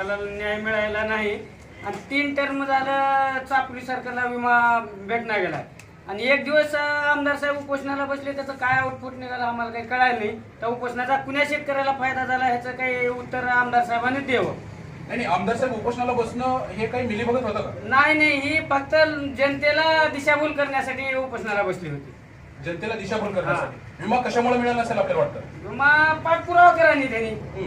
त्याला न्याय मिळायला नाही आणि 3 टर्म झालं चापोली सरकारला विमा भेटणार गेला आणि एक दिवस आमदार साहेब उपोषणाला बसले, त्याचं काय आउटपुट निघालं आम्हाला काही कळायला नाही. त्या उपोषणाचा कुण्या शेतकऱ्याला फायदा झाला ह्याचं काही उत्तर आमदार साहेबांनी द्यावं. नाही, आमदार साहेब उपोषणाला बसणं हे काही मिलीभगत होतं का? नाही, ही फक्त जनतेला दिशाभूल करण्यासाठी उपोषणाला बसली होती. जनतेला दिशाभूल करण्यासाठी. विमा कशामुळे मिळाला असेल आपल्याला वाटतं? विमा पाठपुरावा करा नाही त्यांनी,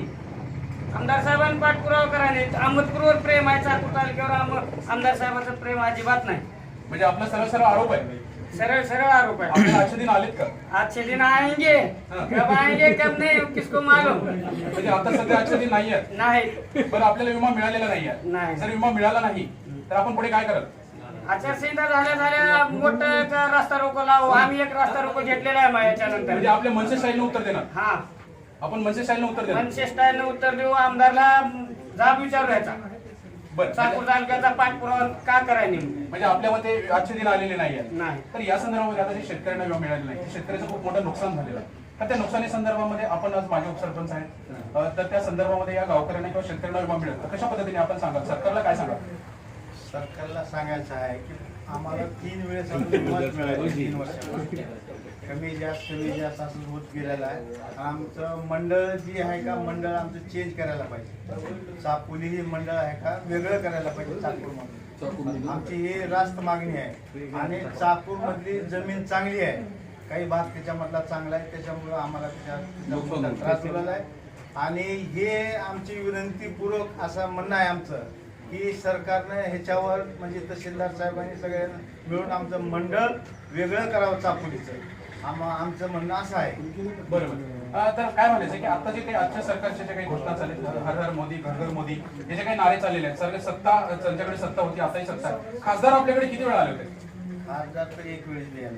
आमदार साहेबांनी पाठपुरावा करा नाही. अहमदपूरवर प्रेम आहे, चाकूर तालुक्यावर आमदार साहेबांचं प्रेम अजिबात नाही. म्हणजे आपला सरळ सरळ आरोप आहे, सरळ आरोप है. आपल्याला आजचे दिन आलेत का? अच्छे दिन आएंगे, कब आएंगे कब नहीं किसको मालूम. म्हणजे आता सध्या आजचे दिन नाही आहेत. नाही, बरं, आपल्याला विमा मिळालेला नाही आहे. नाही. जर विमा मिळाला नाही तर आपण पुढे काय कराल? आचारसंहिता झाल्या मोठं एक रस्ता रोको लावू. आम्ही एक रस्ता रोको घेतलेला आहे मग याच्यानंतर. म्हणजे आपल्या मनसे स्टाईलनं उत्तर देणार. हा, आपण मनसे स्टाईलनं उत्तर देणार. मनसे स्टाईलनं उत्तर देऊ. आमदारला जाब विचारू याचा. बरं, चाकूर तालुक्याचा पाठपुरावा का करायला म्हणजे आपल्या मते आजचे दिन आलेले नाही आहेत. नाही. तर या संदर्भामध्ये आता जे शेतकऱ्यांना विमा मिळालेला नाही, शेतकऱ्याचं खूप मोठं नुकसान झालेलं आहे. तर त्या नुकसानी संदर्भामध्ये आपण आज माजी उपसरपंच आहेत, तर त्या संदर्भामध्ये या गावकऱ्यांना किंवा शेतकऱ्यांना विमा मिळेल तर कशा पद्धतीने आपण सांगाल? सरकारला काय सांगाल? सरकारला सांगायचं आहे की आम्हाला 3 वेळेस मत मिळालं 3 वर्षामध्ये. कमी जास्त असं होत गेलेलं आहे. आमचं मंडळ जी आहे का, मंडळ आमचं चेंज करायला पाहिजे. चापोली ही मंडळ आहे का वेगळं करायला पाहिजे चाकूरमध्ये. आमची ही रास्त मागणी आहे. आणि चाकूरमधली जमीन चांगली आहे, काही भाग त्याच्यामधला चांगला आहे, त्याच्यामुळं आम्हाला त्याच्या त्रास झालेला आहे. आणि हे आमची विनंतीपूर्वक असं म्हणणं आहे आमचं की सरकारनं ह्याच्यावर म्हणजे तहसीलदार साहेबांनी सगळ्यांना मिळून आमचं मंडळ वेगळं करावं चापोलीचं. आमचं म्हणणं असं आहे. बरोबर. तर काय म्हणायचं की आता जे काही आजच्या सरकारच्या ज्या काही घोषणा चालल्या, हर हर मोदी घर घर मोदी, हे जे काही नारे चाललेले आहेत, सगळे सत्ता त्यांच्याकडे सत्ता होती, आताही सत्ता आहे. खासदार आपल्याकडे किती वेळा आले होते? खासदार तर 1 वेळेस नाही.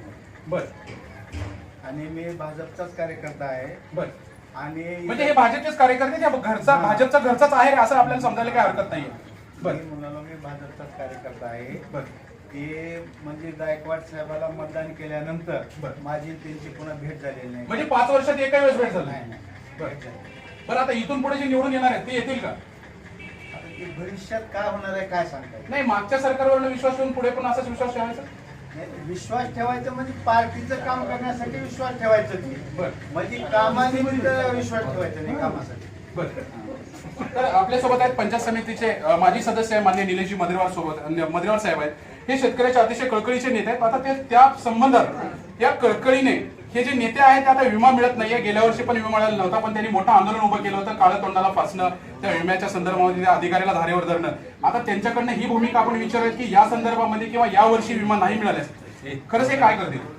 बरं. आणि मी भाजपचाच कार्यकर्ता आहे. बरं. आणि म्हणजे हे भाजपचेच कार्यकर्ते त्या घरचा भाजपचा घरचाच आहे असं आपल्याला समजायला काही हरकत नाहीये. मी म्हणालो मी भाजपचाच कार्यकर्ता आहे. बरं. ते म्हणजे गायकवाड साहेबाला मतदान केल्यानंतर माझी त्यांची पुन्हा भेट झालेली नाही. म्हणजे 5 वर्षात एका वेळेस भेट झाली नाही. बरं, आता इथून पुढे जे निवडून येणार आहेत ते येतील का? आता ते भविष्यात काय होणार आहे काय सांगताय? नाही, मागच्या सरकारवर विश्वास ठेवून पुढे पण असाच विश्वास ठेवायचा. विश्वास ठेवायचं म्हणजे पार्टीचं काम करण्यासाठी विश्वास ठेवायचं ते. बरं. म्हणजे कामानिमित्त विश्वास ठेवायचा नाही, कामासाठी. बरं. तर आपल्यासोबत आहेत पंचायत समितीचे माजी सदस्य आहे माननीय निलेशजी मद्रेवार साहेब आहेत. हे शेतकऱ्याचे अतिशय कळकळीचे नेते आहेत. आता ते त्या संबंधात या कळकळीने हे जे नेते आहेत ते आता विमा मिळत नाहीये. गेल्या वर्षी पण विमा मिळाला नव्हता, पण त्यांनी मोठं आंदोलन उभं केलं होतं, काळं तोंडाला फासणं, त्या विम्याच्या संदर्भामध्ये त्या अधिकाऱ्याला धारेवर धरणं. आता त्यांच्याकडनं ही भूमिका आपण विचारूयात की या संदर्भामध्ये किंवा या वर्षी विमा नाही मिळाल्यास खरंच हे काय करतील?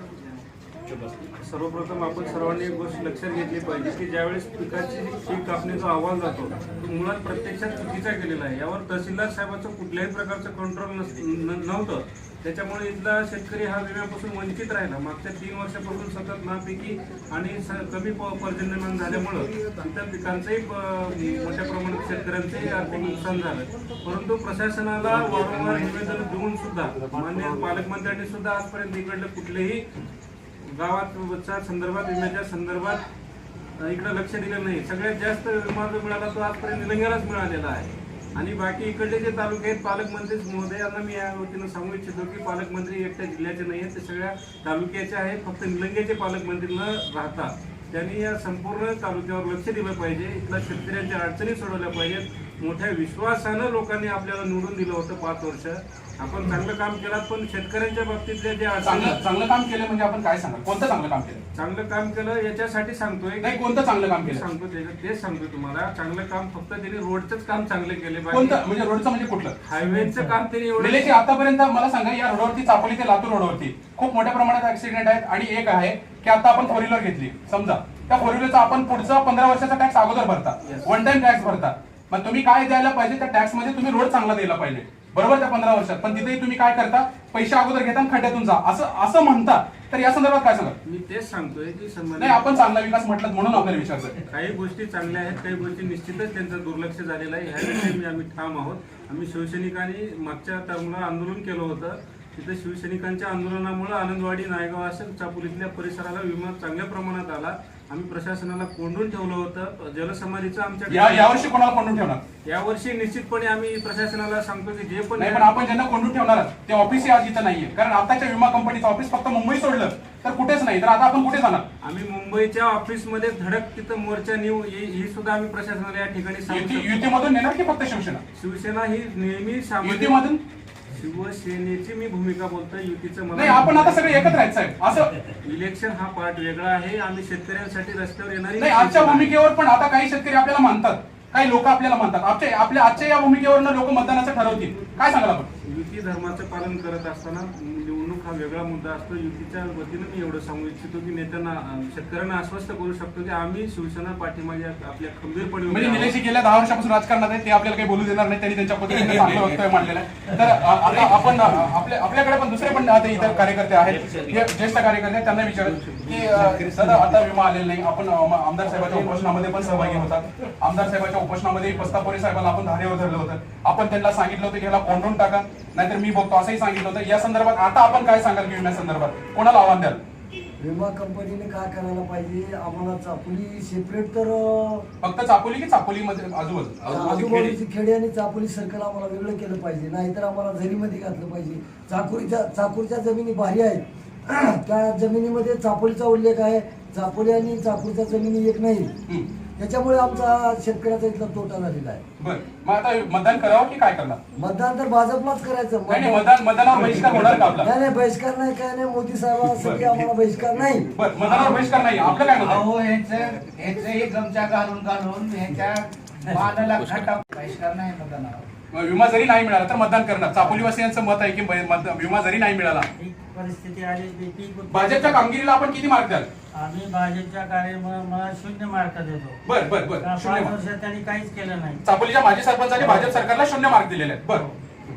सर्वप्रथम आपण सर्वांनी एक गोष्ट लक्षात घेतली पाहिजे की ज्यावेळेस पिकाची पीक कापणीचा अहवाल जातो तो मुळात प्रत्यक्षात चुकीचा केलेला आहे. यावर तहसीलदार साहेबांचं कुठल्याही प्रकारचं कंट्रोल नव्हतं. त्याच्यामुळे इथला शेतकरी हा विम्यापासून वंचित राहिला. मागच्या 3 वर्षापासून सतत नापिकी आणि कमी पर्जन्यमान झाल्यामुळं इतर पिकांचंही मोठ्या प्रमाणात शेतकऱ्यांचंही आर्थिक नुकसान झालं. परंतु प्रशासनाला वारंवार निवेदन देऊन सुद्धा माननीय पालकमंत्र्यांनी सुद्धा आजपर्यंत इकडलं कुठलेही गावाच्या संदर्भात विम्याच्या संदर्भात इकडे लक्ष दिलं नाही. सगळ्यात जास्त विमा जो मिळाला तो आजपर्यंत निलंग्यालाच मिळालेला आहे. आणि बाकी इकडले जे तालुके आहेत पालकमंत्री महोदयांना मी या वतीनं सांगू इच्छितो की पालकमंत्री एकट्या जिल्ह्याचे नाही आहेत, ते सगळ्या तालुक्याचे आहेत. फक्त निलंग्याचे पालकमंत्री न राहता त्यांनी या संपूर्ण तालुक्यावर लक्ष दिलं पाहिजे. इथल्या शेतकऱ्यांच्या अडचणी सोडवल्या पाहिजेत. मोठ्या विश्वासानं लोकांनी आपल्याला निवडून दिलं होतं 5 वर्ष. आपण चांगलं काम केलं, पण शेतकऱ्यांच्या बाबतीतले जे चांगलं काम केलं म्हणजे आपण काय सांगा? कोणतं चांगलं काम केलं? चांगलं काम केलं याच्यासाठी सांगतोय. नाही, कोणतं चांगलं काम केलं सांगतो तेच सांगतोय तुम्हाला. चांगलं काम फक्त त्यांनी रोडचंच काम चांगले केले कोणतं? पाहिजे. म्हणजे रोडचं म्हणजे कुठलं? हायवेचं काम त्यांनी एवढं निलेशजी, आतापर्यंत मला सांगा या रोडवरती चापोली ते लातूर रोडवरती खूप मोठ्या प्रमाणात ऍक्सिडेंट आहेत. आणि एक आहे की आता आपण 4 व्हीलर घेतली, समजा त्या 4 व्हीलरचा आपण पुढचा 15 वर्षाचा टॅक्स अगोदर भरता, वन टाइम टॅक्स भरता. मग तुम्ही काय द्यायला पाहिजे? त्या टॅक्स मध्ये तुम्ही रोड चांगला द्यायला पाहिजे, बरोबर, त्या 15 वर्षात. पण तिथेही तुम्ही काय करता? पैसे अगोदर घेता आणि खड्ड्यातून जा असं म्हणता. तर या संदर्भात काय सांगा? मी तेच सांगतोय की नाही, आपण चांगला विकास म्हटलं म्हणून आपल्याला विचारतोय. काही गोष्टी चांगल्या आहेत, काही गोष्टी निश्चितच त्यांचं दुर्लक्ष झालेलं आहे. ह्याविषयी आम्ही ठाम आहोत. आम्ही शिवसैनिकांनी मागच्या टर्मला आंदोलन केलं होतं. तिथे शिवसैनिकांच्या आंदोलनामुळे आनंदवाडी, नायगाव असेल चापोलीतल्या परिसराला विमा चांगल्या प्रमाणात आला. आम्ही प्रशासनाला कोंडून ठेवलं होतं. जलसमाधीचं आमच्या यावर्षी कोणाला कोंडून ठेवणार? यावर्षी निश्चितपणे आम्ही प्रशासनाला सांगतो की जे पण नाही, पण आपण ज्यांना कोंडून ठेवणार ते ऑफिसही आज इथं नाहीये. कारण आताच्या विमा कंपनीचं ऑफिस फक्त मुंबई सोडलं तर कुठेच नाही. तर आता आपण कुठे जाणार? आम्ही मुंबईच्या ऑफिसमध्ये धडक तिथं मोर्चा नेऊ ही सुद्धा आम्ही प्रशासनाला या ठिकाणी सांगू शकतो. युतीमधून नेणार की फक्त शिवसेना? शिवसेना ही नेहमी सामाजिक युतीमधून शिवसेनेची मी भूमिका बोलतोय. युतीचं नाही, आपण आता सगळे एकत्र आहेत साहेब. असं इलेक्शन हा पार्ट वेगळा आहे. आम्ही शेतकऱ्यांसाठी रस्त्यावर येणारी नाही, आजच्या भूमिकेवर पण आता काही शेतकरी आपल्याला मानतात, काही लोक आपल्याला मानतात. आजच्या या भूमिकेवरनं लोक मतदानाचं ठरवतील. काय सांगाल आपण? युती धर्माचं पालन करत असताना निवडणूक हा वेगळा मुद्दा असतो. युतीच्या वतीनं मी एवढं सांगू इच्छितो की नेत्यांना शेतकऱ्यांना आश्वस्त करू शकतो की आम्ही शिवसेना पाठीमागे आपल्या खंबीरपणे उभे म्हणजे आहोत. निलेशजी गेल्या 10 वर्षापासून राजकारणात आहे, ते आपल्याला काही बोलू देणार नाही. त्यांनी त्यांच्या पद्धतीने चांगलं वक्तव्य मांडलेलं आहे. तर आता आपण आपल्याकडे पण दुसरे पण आता इतर कार्यकर्ते आहेत, हे ज्येष्ठ कार्यकर्ते आहेत, त्यांना विचारत की दादा आता विमा आलेला नाही. आपण आमदार साहेबांच्या उपोषणामध्ये पण सहभागी होतात. आमदार साहेबांच्या उपोषणामध्ये पस्तापोरे साहेबांना आपण धारेवर धरलं होतं. आपण त्यांना सांगितलं होतं की ह्याला कोंडून टाका, नाहीतर मी बघतो असंही सांगितलं होतं. या संदर्भात आता आपण काय सांगाल की विम्या संदर्भात कोणाला आव्हान द्याल? विमा कंपनीने काय करायला पाहिजे? आम्हाला चापोली सेपरेट तर फक्त चापोली की चापोलीमध्ये आजूबाजूची खेडे आणि चापोली सर्कल आम्हाला वेगळं केलं पाहिजे, नाहीतर आम्हाला झरीमध्ये घातलं पाहिजे. चाकूरच्या जमिनी भारी आहेत, त्या जमिनीमध्ये चापोलीचा उल्लेख आहे. चापोली आणि चाकूरच्या जमिनी एक नाही, त्याच्यामुळे आमचा शेतकऱ्याचा इथला तोटा झालेला आहे. बरं, मग आता मतदान करावं की काय करणार? मतदान तर भाजपलाच करायचं. नाही, मतदानावर बहिष्कार होणार का आपला? नाही, बहिष्कार नाही, काय नाही. मोदी साहेबांसाठी आम्हाला बहिष्कार नाही. बरं, मतदानावर बहिष्कार नाही. आपलं काय मत आहे? अहो ह्याचं गमचा घालून ह्याच्या मानाला खटा बहिष्कार नाही मतदानावर. विमा जरी नाही मिळाला तर मतदान करणार. चापोलीवासियांचं मत आहे की विमा जरी नाही मिळाला, परिस्थिती आली भाजपच्या कामगिरीला आपण किती मार्क द्याल? आम्ही भाजपच्या मला 0 मार्क देतो. बर बर बर, 5 शून्य मार्क. वर्षात त्यांनी काहीच केलं नाही. चापोलीच्या माजी सरपंचाने भाजप सरकारला 0 मार्क दिलेले आहेत. बरं,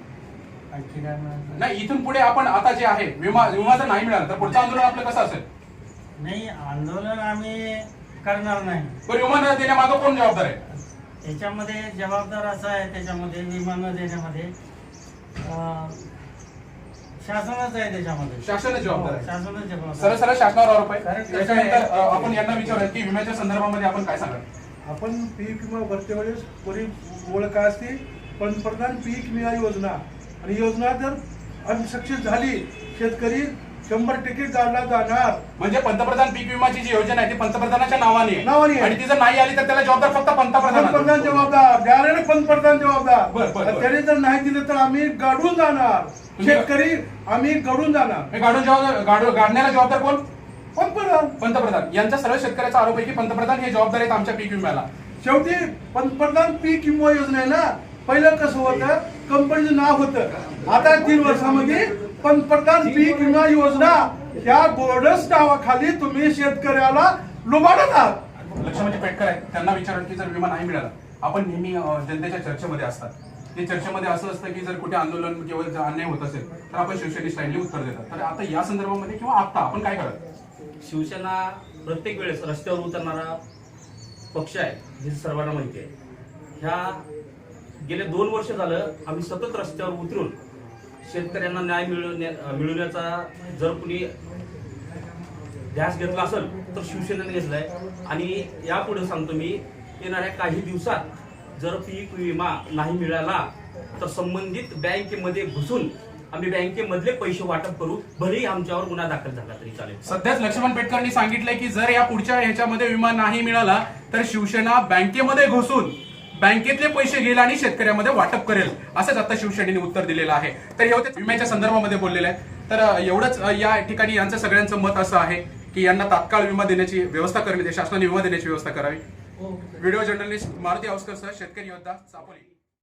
आणखी काय म्हणायचं? नाही, इथून पुढे आपण आता जे आहे विमा जर नाही मिळाला तर पुढचं आंदोलन आपलं कसं असेल? नाही, आंदोलन आम्ही करणार नाही. बरं, विमा न देण्यामागं कोण जबाबदार आहे? याच्यामध्ये जबाबदार असं आहे, त्याच्यामध्ये विमा न देण्यामध्ये शासनच आहे. त्याच्यामध्ये शासनच जबाबदार आहे. शासनच जबाबदार. सरळ सरळ शासनावर आरोप आहे. कारण कसं त्याच्यानंतर आहे- आपण यांना विचारूया की विम्याच्या संदर्भामध्ये आपण काय सांगाल? आपण पीक विमा भरते वेळेस कोणी ओळख काय असते? पंतप्रधान पीक विमा योजना, आणि योजना जर सक्सेस झाली शेतकरी 100% काढला जाणार. म्हणजे पंतप्रधान पीक विमाची जी योजना आहे ती पंतप्रधानाच्या नावाने नावाने आहे. आणि ती जर नाही आली तर त्याला जबाबदार फक्त पंतप्रधान पंतप्रधान. जबाबदार, द्यायला पंतप्रधान जबाबदार. बरं, बरं, बरं. त्याने जर नाही दिलं तर आम्ही गाडून जाणार. शेतकरी आम्ही गडून जाणार. हे गाडण्याला जबाबदार कोण? पंतप्रधान. पंतप्रधान. यांचा सर्व शेतकऱ्याचा आरोप आहे की पंतप्रधान हे जबाबदार आहेत आमच्या पीक विम्याला. शेवटी पंतप्रधान पीक विमा योजना आहे ना, पहिलं कसं होतं, कंपनीचं नाव होतं. आता 3 वर्षामध्ये पंतप्रधान पीक विमा योजना या बोर्डस नावाखाली तुम्ही शेतकऱ्याला लुबाडत आहात. लक्ष्मणजी पेटकर आहेत, त्यांना विचारलं की जर विमा नाही मिळाला, आपण नेहमी जनतेच्या चर्चेमध्ये असतात, ते चर्चेमध्ये असं असतं की जर कुठे आंदोलन किंवा अन्याय होत असेल तर आपण शिवसेने स्टाईलने उत्तर देतात. तर आता या संदर्भामध्ये किंवा आता आपण काय कराल? शिवसेना प्रत्येक वेळेस रस्त्यावर उतरणारा पक्ष आहे, हे सर्वांना माहिती आहे. ह्या गेले 2 वर्ष झालं आम्ही सतत रस्त्यावर उतरून शेतकऱ्यांना न्याय मिळवण्याचा जर कुणी ध्यास घेतला असेल तर शिवसेनेने घेतलाय. आणि यापुढे सांगतो मी, येणाऱ्या काही दिवसात जर पीक विमा नाही मिळाला तर संबंधित बँकेमध्ये घुसून आम्ही बँकेमधले पैसे वाटप करू, भलेही आमच्यावर गुन्हा दाखल झाला तरी चालेल. सध्याच लक्ष्मण पेटकरांनी सांगितलंय की जर या पुढच्या ह्याच्यामध्ये विमा नाही मिळाला तर शिवसेना बँकेमध्ये घुसून बँकेतले पैसे घेईल आणि शेतकऱ्यामध्ये वाटप करेल, असंच आता शिवसेनेने उत्तर दिलेलं आहे. तर हे होते विम्याच्या संदर्भामध्ये बोललेलं आहे. तर एवढंच या ठिकाणी यांचं सगळ्यांचं मत असं आहे की यांना तात्काळ विमा देण्याची व्यवस्था करण्यात, शासनाने विमा देण्याची व्यवस्था करावी. व्हिडिओ जर्नलिस्ट मारुती आवस्कर सह शेतकरी योद्धा, चापोली.